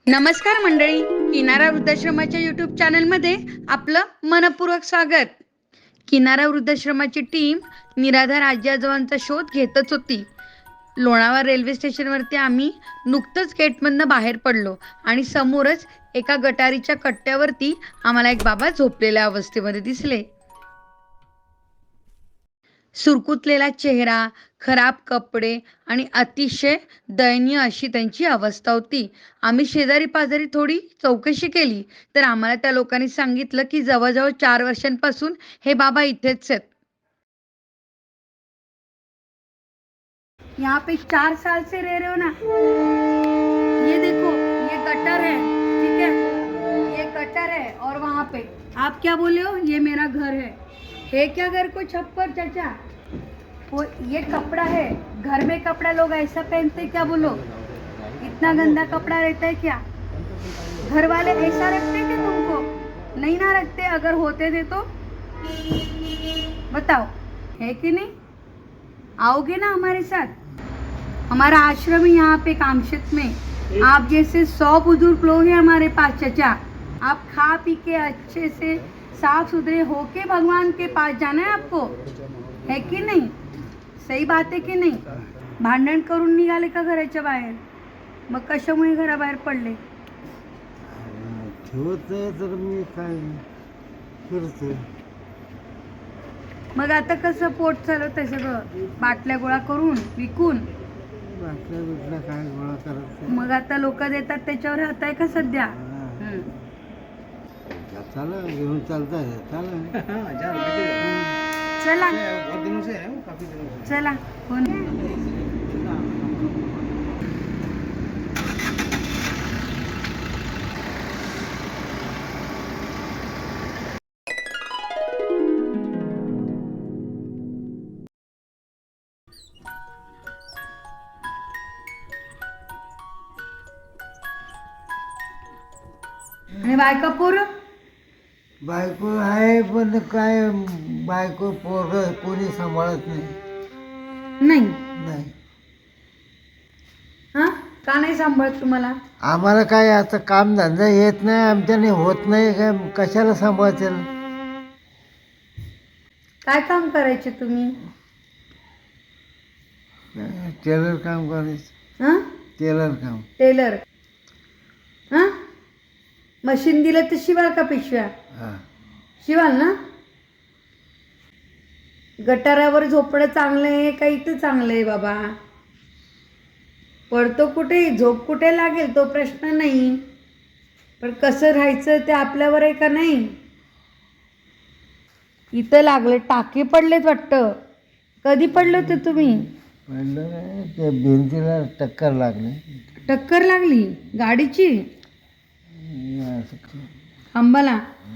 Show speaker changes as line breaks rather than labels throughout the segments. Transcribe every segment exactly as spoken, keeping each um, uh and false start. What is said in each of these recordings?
नमस्कार मंडळी, किनारा वृद्धाश्रमाच्या यूट्यूब चॅनलमध्ये आपलं मनपूर्वक स्वागत. किनारा वृद्धाश्रमाची टीम निराधार आजी आजोबांचा शोध घेतच होती. लोणावळा रेल्वे स्टेशनवरती आम्ही नुकतंच गेटमधनं बाहेर पडलो आणि समोरच एका गटारीच्या कट्ट्यावरती आम्हाला एक बाबा झोपलेल्या अवस्थेमध्ये दिसले. सुरकुतलेला चेहरा, खराब कपडे आणि अतिशय दयनीय अशी त्यांची अवस्था होती. आम्ही शेजारी पाजारी थोडी चौकशी केली तर आम्हाला त्या लोकांनी सांगितलं की जवळजवळ चार वर्षांपासून हे बाबा इथेच आहेत. यहाँ पे चार साल से रह रहे हो ना. ये देखो, ये गटर है, ठीक है, ये गटर है और वहाँ पे आप क्या बोले हो, ये मेरा घर है. है क्या घर को छप्पर चाचा? वो ये कपड़ा है, घर में कपड़ा लोग ऐसा पहनते क्या बोलो? इतना गंदा कपड़ा रहता है क्या? घर वाले ऐसा रखते थे तुमको? नहीं ना रखते. अगर होते थे तो बताओ, है कि नहीं? आओगे ना हमारे साथ? हमारा आश्रम है यहाँ पे कामशेत में. आप जैसे सौ बुजुर्ग लोग हैं हमारे पास चाचा. आप खा पी के अच्छे से साफ सुथरे होके भगवान के पास जाना है आपको, है की नाही? सही बात आहे की नाही? भांडण करून निघाले का घराच्या बाहेर? मग कशामुळे घराबाहेर पडले?
ठेवत तर मी काय करतो.
मग आता कसं पोट चालवतंय सगळं? बाटल्या गोळा करून विकून?
बाटल्या बिटल्या काय गोळा करत
मग आता लोक देतात त्याच्यावर राहताय का सध्या? हम्म.
चला घेऊन चालताय. चला
चला चला. कोण? आणि बायका पोरं?
बायको आहे पण काय बायको पोरं कोणी सांभाळत नाही.
नाही.
नाही
हा, का नाही सांभाळत तुम्हाला?
आम्हाला काय आता काम धंदा येत नाही, आमच्याने होत नाही. काय कशाला सांभाळतील?
काय काम करायचे तुम्ही?
टेलर काम करायचं.
हा,
टेलर काम.
टेलर. हा, मशीन दिलं तर शिवाल का पिशव्या?
हां
शिवाल ना. गटारावर झोपणं चांगलं आहे का इथं चांगलं आहे बाबा? पडतो कुठे, झोप कुठे लागेल तो प्रश्न नाही, पण कसं राहायचं ते आपल्यावर आहे का नाही? इथं लागले, टाके पडलेत वाटतं. कधी पडले होते तुम्ही?
पडलं नाही, ते भिंतीला टक्कर लागली.
टक्कर लागली गाडीची?
असं
खांबाला?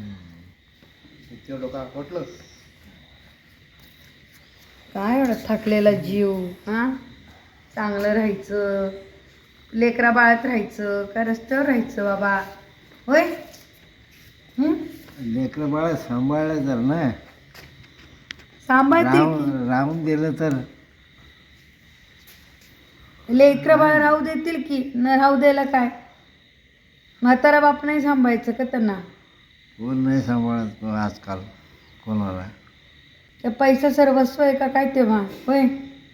काय एवढा थकलेला जीव. हां, चांगलं राहायचं, लेकरा बाळात राहायचं का रस्त्यावर राहायचं बाबा? होय.
लेकरं बाळा सांभाळलं तर ना,
सांभाळतील
राहून राहून दिलं तर.
लेकरं बाळ राहू देतील की न राहू द्यायला काय? म्हातारा बाप नाही सांभाळायचं का त्यांना?
कोण नाही सांभाळत आजकाल कोणाला.
ते पैसा सर्वस्व आहे का काय तेव्हा? होय.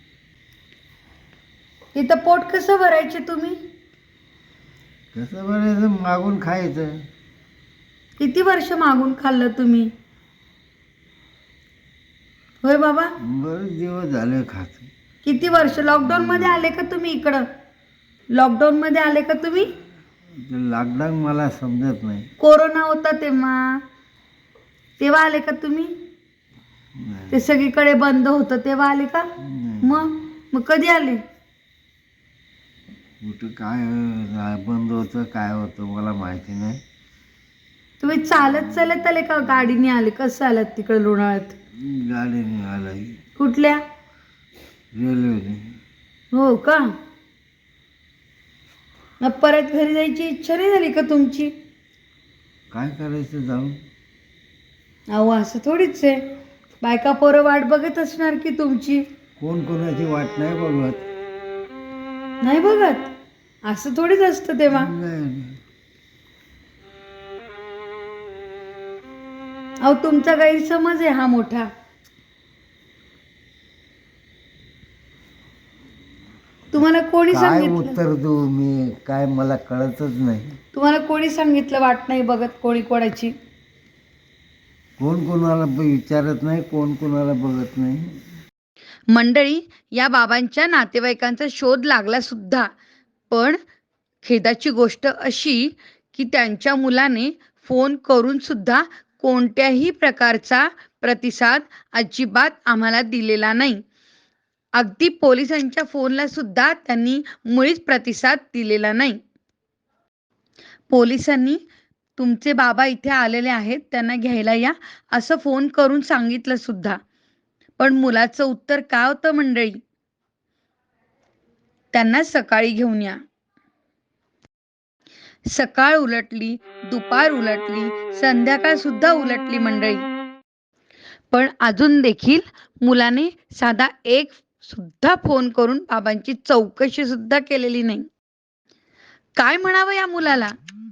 इथं पोट कसं भरायचे तुम्ही?
कसं बरं, मागून खायचं.
किती वर्ष मागून खाल्लं तुम्ही? होय बाबा.
बरेच दिवस झाले खात.
किती वर्ष? लॉकडाऊन मध्ये आले का तुम्ही इकडं? लॉकडाऊन मध्ये आले का तुम्ही?
लॉकडाऊन मला समजत नाही.
कोरोना होता तेव्हा, तेव्हा आले का तुम्ही?
नाही.
ते सगळीकडे बंद होतं तेव्हा आले का?
नाही.
मग मग कधी आले?
कुठं काय बंद होतं काय होतं मला माहिती नाही.
तुम्ही चालत चालत आले का गाडीने आले? कसं आलात तिकडे लोणावळ्यात?
गाडीने आलं.
कुठल्या?
रेल्वेने.
हो का? मग परत घरी जायची इच्छा नाही झाली का तुमची?
काय करायचं जाऊन?
अहो असं थोडीच आहे, बायका पोरं वाट बघत असणार की तुमची.
कोण कोणाची वाट नाही बघत.
नाही बघत? असं थोडीच असतं तेव्हा.
नाही
अहो तुमचा गैरसमज आहे हा मोठा. तुम्हाला कोणी
काय
सांगितलं?
उत्तर देऊ मी? काय मला कळतच नाही.
तुम्हाला कोणी सांगितलं वाट नाही बघत कोणी कोणाची?
कोण कोणाला ब- विचारत नाही, कोण कोणाला बघत नाही.
मंडळी, या बाबांच्या नातेवाईकांचा शोध लागला सुद्धा, पण खेदाची गोष्ट अशी की त्यांच्या मुलाने फोन करून सुद्धा कोणत्याही प्रकारचा प्रतिसाद अजिबात आम्हाला दिलेला नाही. अगदी पोलिसांच्या फोनला सुद्धा त्यांनी मुळीच प्रतिसाद दिलेला नाही. पोलिसांनी तुमचे बाबा इथे आलेले आहेत, त्यांना घ्यायला या असं फोन करून सांगितलं सुद्धा, पण मुलाचं उत्तर काय होतं मंडळी? त्यांना सकाळी घेऊन या. सकाळ उलटली, दुपार उलटली, संध्याकाळ सुद्धा उलटली मंडळी, पण अजून देखील मुलाने साधा एक सुद्धा फोन करून बाबांची चौकशी सुद्धा केलेली नाही. काय म्हणावं या मुलाला?